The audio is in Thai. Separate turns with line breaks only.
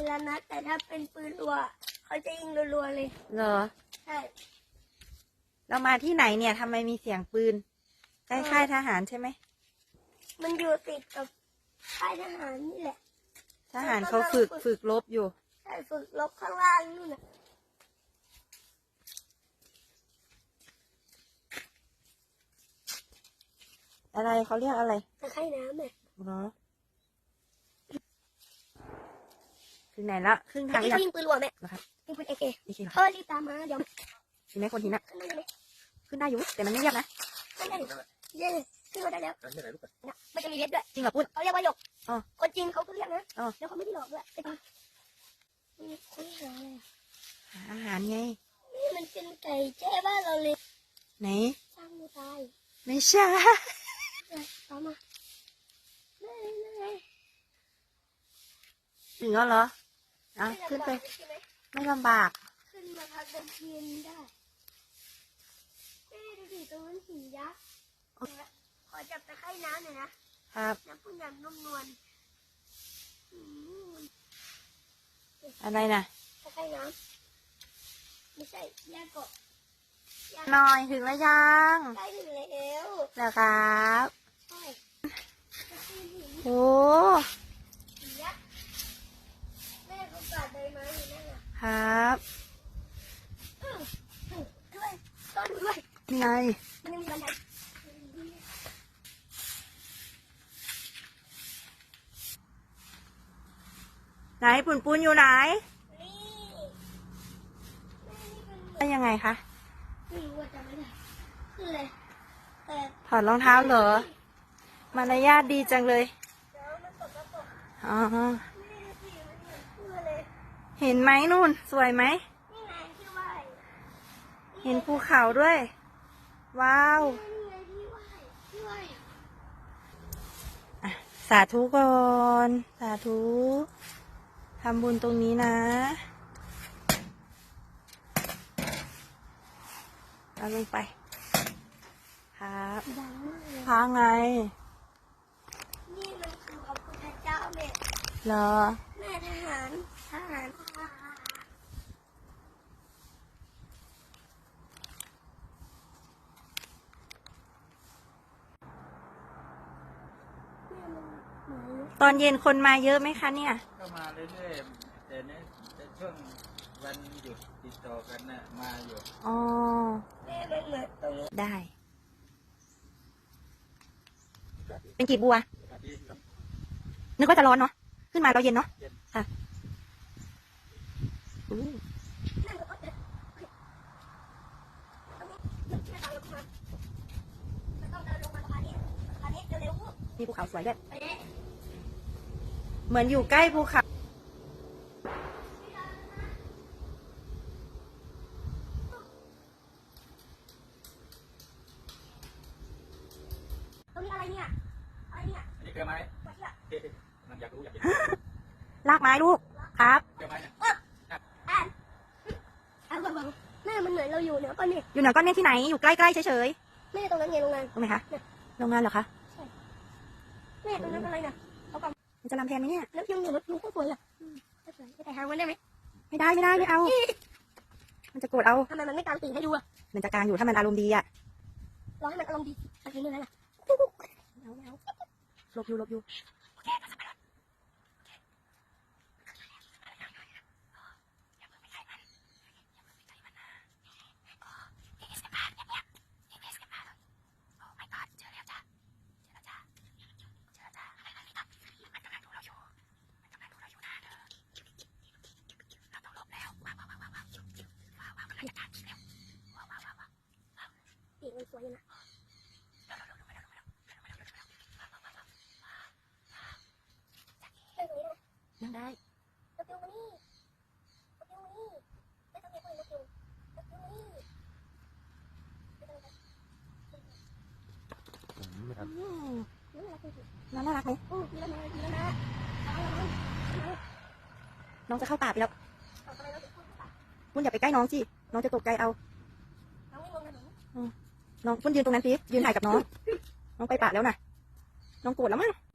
ละนัดแต่ถ้าเป็นปืนรัวเขาจะยิงรัวๆเลย
เหรอ
ใช่
เรามาที่ไหนเนี่ยทำไมมีเสียงปืนใกล้ค่ายทหารใช่ไหม
มันอยู่ติดกับค่ายทหารนี่แหละ
ทหารเขาฝึกรบอยู่
ใช่ฝึกรบข้างล่างนู่นน่ะ
อะไรเขาเรียกอะไร
ตะไคร่น้ำเนี่ย
เหรอถึงไหนละครึ่งทาง
ยิงปืนรัวแม่
นะครับ
ยิงปืนเอเค
เหรอ
รีบตามมาเดี๋ยว
ถึงไหมคนหินอะขึ้นได้อยู่แต่มันไม่เรียบนะ
ขึ้นได้เย้ขึ้นมาได้แล้วมันจะมีเพชรด้วย
จริงเหรอปุ้น
เขาเรียกว่าหยก
อ๋อ
คนจริงเขาก็เรียกนะ
อ๋อ
แล้วเขาไม่ได้หลอกด้วยเป็นคนหาอะไร
หาอาหารไง
นี่มันเป็นไก่แจ้บ้านเราเลย
ไหน
สร้างมือตาย
ไม่ใช่
ตามมา
ถึงแล้วเหรออ่ะขึ้นไปไม่ลำบาก
ขึ้นมาพักบนเทียนได้ดูดิตรงนั้นหินยักษ์ขอจับตะไคร่น้ำหน่อยนะครับน้ำปุ่นอย่างนุ่มนวล
อะไรนะ
ตะไคร่น้ำไม่ใช่ยาเกาะ
หน่อยถึงแล้วยัง
ใกล้ถึงแล้ว
แล้วครับ
ใช่
โอ้
หินยักษ์แม่เขาปาดใบไม้อยู่นั่นน่ะ
ครับ
ด้วยต้นด้วย
ไง
มันยังมีบันได
ไหนปุ่นปุนอยู่ไหนเป็นยังไงคะ
ไม่รู้ว่าจะไม่ได้คืออะไรแต่
ถอดรองเท้าเหรอมารยาทดีจังเลยอ๋อเห็นไหมนู่นสวยไหมเห็นภูเขาด้วยว้าวสาธุก่อนสาธุทำบุญตรงนี้นะเอาลงไปครับพาไง
นี่มันคือพระพุทธเจ้าแม่
เหรอ
แม่ทหาร
ตอนเย็นคนมาเยอะไหมคะเนี่ย
ก็มาเรื่อยๆแต่ในช่วงวันหยุดติดต่อกันน่ะมาอยู่
อ๋อได้เป็นกีบบัวนึกว่าจะร้อนเนาะขึ้นมาเราเย็นเนาะค่ะมีภูเขาสวยด้วยเหมือนอยู่ใกล้ภูเขา
ตรงนี้อะไรเนี่ย
อันนี้เกลือไม้มันอยากรู้อยากเห็น
ลากไม้ลูกครับ
เกลือไม้เนี่ย
แม่มันเหมือนเราอยู่เหนือก้อนเมฆ
อยู่เหนือก้อนเมฆที่ไหนอยู่ใกล้ๆเฉย
ๆแม่ตรงนั้นไงโรงงาน
ตรงไหนคะโรงงานเหรอคะ
แม่ตรงนั้นอะไรน่ะ
มันจะลำแพนไหมเนี่ย
แล้วยังอยู่รถลุงก็สวยอ่ะสวยแต่หาวันได้ไหม
ไม่ได้ไม่เอามันจะโกรธเอา
ทำไมมันไม่กางปีกให้ดูอ่ะ
มันจะกางอยู่ถ้ามันอารมณ์ดีอ่ะ
รอให้มันอารมณ์ดีสักทีนึงแล้วล่ะ
ลบอยู่
ปีกมันสวยอยู่นะ
ยังได้
นกยูงมานี่ไม่ต้องเรียกว่านกยูง
น่ารักไหมน้องจะเข้าป่าไปแล้วปุ้นอย่าไปใกล้น้องสิน้องจะตกใจเอาน้องปุ้นยืนตรงนั้นสิยืนถ่ายกับน้องไปป่าแล้วนะน้องโกรธแล้วมั้ง